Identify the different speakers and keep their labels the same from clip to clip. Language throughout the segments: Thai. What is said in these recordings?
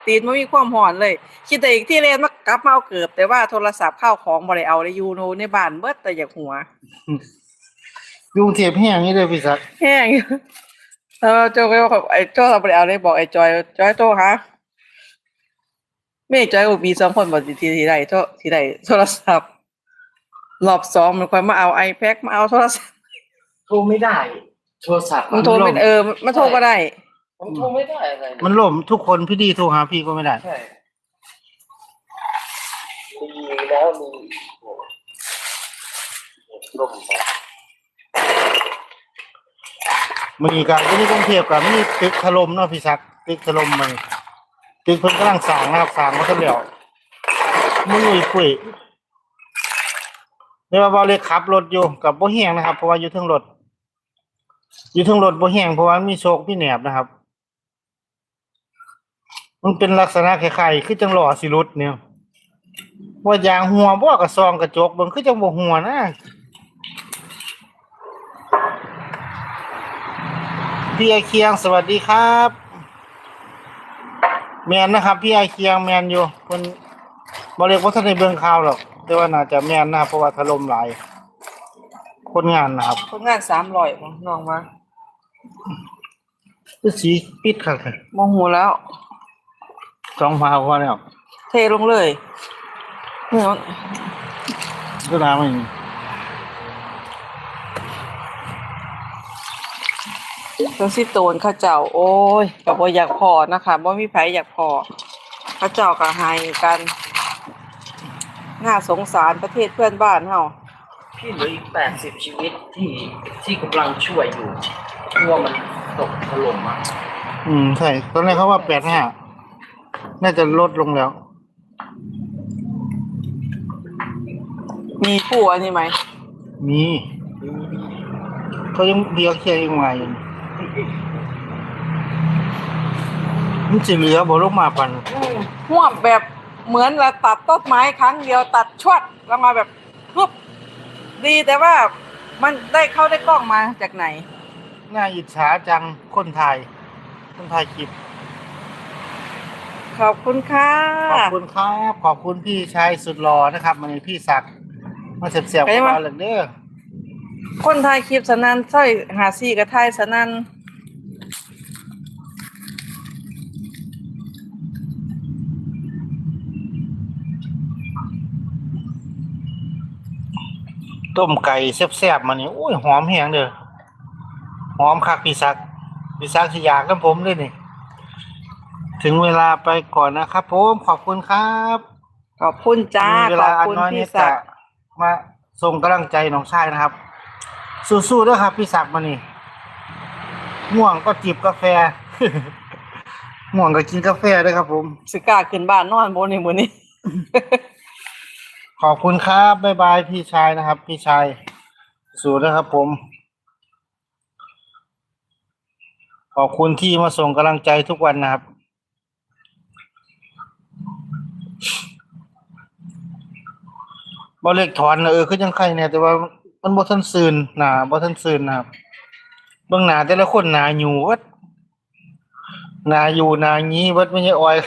Speaker 1: ตีนบ่มีความร้อนเลยคิดแต่อีกที่แล่นมากลับมาเอาเกือบแต่ว่าโทรศัพท์ข้าวของบ่ได้เอาได้อยู่ในบ้านเบิดแต่อยากหัว
Speaker 2: ยุงเทียบแห้งนี่เลยพี่ศักดิ์
Speaker 1: แห้งอยู่โจก็บอกไอ้โจเราบ่ได้เอาเลยบอกไอ้จอยโทรหาแม่จอยก็มี2คนบ่ที่ได้โทรศัพท์รอบ2มันค่อยมาเอา iPad มาเอาโทรศัพท์
Speaker 3: โทรไม่ได้โทรศัพท์
Speaker 1: มันโทรเป็นมันโทรบ่ได้
Speaker 3: ผมโทรไม่ได้อะไร
Speaker 2: มันล่มทุกคนพี่ดีโทรหาพี่ก็ไม่ได้
Speaker 3: ใช่มีแล้วมีล่มไป
Speaker 2: มีการที่กรุงเทพกับมีตึกถล่มเนาะพี่ศักดิ์ตึกถล่มมันตึกเพิ่นกำลังสร้างนะครับสร้างมาซะแล้วมึงคุยเรียกว่าบ่เลยขับรถอยู่กับบ่แห้งนะครับเพราะว่าอยู่เทิงรถบ่แห้งเพราะว่ามีโชคมีแหนบนะครับมันเป็นลักษณะคล้ายๆคือจังล้อสิหลุดเนี่ยว่ายางหัวบ่กระซองกระจกเบิ่งคือจังบ่หัวนะพี่ไอเคียงสวัสดีครับแมนนะครับพี่ไอเคียงแมนอยู่เพิ่นบ่เรียกว่าท่านได้เบิ่งข่าวหรอกแต่ว่าน่าจะแม่นนะเพราะว่าถล่มหลายคนงานนะครับ
Speaker 1: คนงาน300บ่น้องมา
Speaker 2: คือสีปิดคัก
Speaker 1: บ่ฮู้แล้ว
Speaker 2: 2 พาพอแล้ว
Speaker 1: เทลงเลยเนี่ย
Speaker 2: ก็น้ำมัน
Speaker 1: จังสิโตนเขาเจ้าโอ้ยก็บ่อยากพอนะคะบ่มีไผอยากพอเขาเจ้าก็ให้กันน่าสงสารประเทศเพื่อนบ้านเฮา
Speaker 3: พี่เหลืออีก80ชีวิตที่กำลังช่วยอยู่กลัวมันตกถล่มอ่ะ
Speaker 2: ใช่ตอนแรกเขาว่า85น่าจะลดลงแล้ว
Speaker 1: มีผู้อันนี้ไหม
Speaker 2: มีเขายังเดียวแค่ยังไงมันสิเหลือบ่ลงมาปัน
Speaker 1: หวบแบบเหมือนเราตัดต้นไม้ครั้งเดียวตัดชวดแล้วมาแบบปุ๊บดีแต่ว่ามันได้เข้าได้กล้องมาจากไหน
Speaker 2: น่าอิจฉาจังคนถ่ายคลิป
Speaker 1: ขอบคุณค่ะ
Speaker 2: ขอบคุณครับขอบคุณพี่ชายสุดหล่อนะครับมันพี่ศักดิ์มาเสียบๆกับเราเลยเด้อ
Speaker 1: คนถ่ายคลิปสนั่นใช่54กับถ่ายสนั่น
Speaker 2: ต้มไก่แซ่บๆมานี่โอ้ยหอมแห้งเด้อหอมคักพี่ศักดิ์สิอยากนำผมเลยนี่ถึงเวลาไปก่อนนะครับผมขอบคุณครับ
Speaker 1: ขอบคุณจ้า
Speaker 2: ขอบคุณพี่ศักดิ์มาส่งกำลังใจน้องชายนะครับสู้ๆด้วยครับพี่ศักดิ์มานี่ง่วงก็จิบกาแฟง่วงก็กินกาแฟด้วยครับผม
Speaker 1: สิกล้าขึ้นบ้านนอนบ่นี่มื้อนี้
Speaker 2: ขอบคุณครับบ๊ายบายพี่ชายนะครับพี่ชายสู้นะครับผมขอบคุณที่มาส่งกำลังใจทุกวันนะครับบ่เล็กถอนคือจังไข่เนี่ยแต่ว่ามันบ่ทันซื่นหน้าบ่ทันซื่นนะครับเบิ่งหน้าแต่ละคนหน้าหยูวัดหน้าอยู่หน้างี้วัดไม่ใช่อ้อย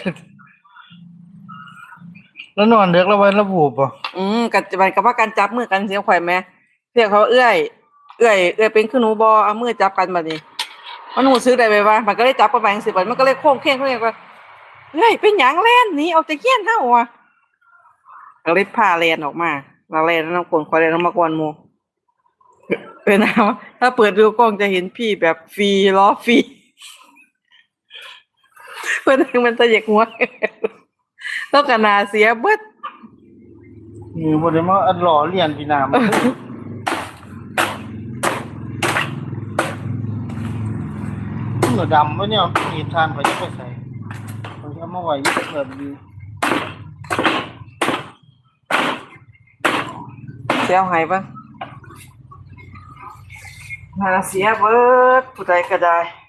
Speaker 2: แล้วนอนดึกแล้ววันระบูบบ่
Speaker 1: กัจจุบันก็ว่ากันจับมือกันเสียข่อยแม่เรียกเขาเอื้อยเป็นคือหนูบ่เอามือจับกันบัดนี้มันรู้สึกได้ไหมว่ามันก็เลยจับกันไปจังซี่บัดมันก็เลยโค้งเคงว่าเฮ้ยเป็นหยังแล่นหนีออกจากเฮียนเฮาว่ะก็เลยพาแล่นออกมาแล้วแล่นนำคนข่อยแล่นมากวนหมู่เป็นนะถ้าเปิดดูกล้องจะเห็นพี่แบบฟรีล้อฟรีเพิ่นมันจะอยากหัวต้องกันนาเสียเบิด
Speaker 2: นี่บ่ได้มาหล่อเลียนพี่น้ำเหนือดำวะเนี่ยมีทานไปจะไปใส่ผมจะมาไว้แบบนี้
Speaker 1: เสียหายปะนาเสียเบิดผู้ใดก็ได้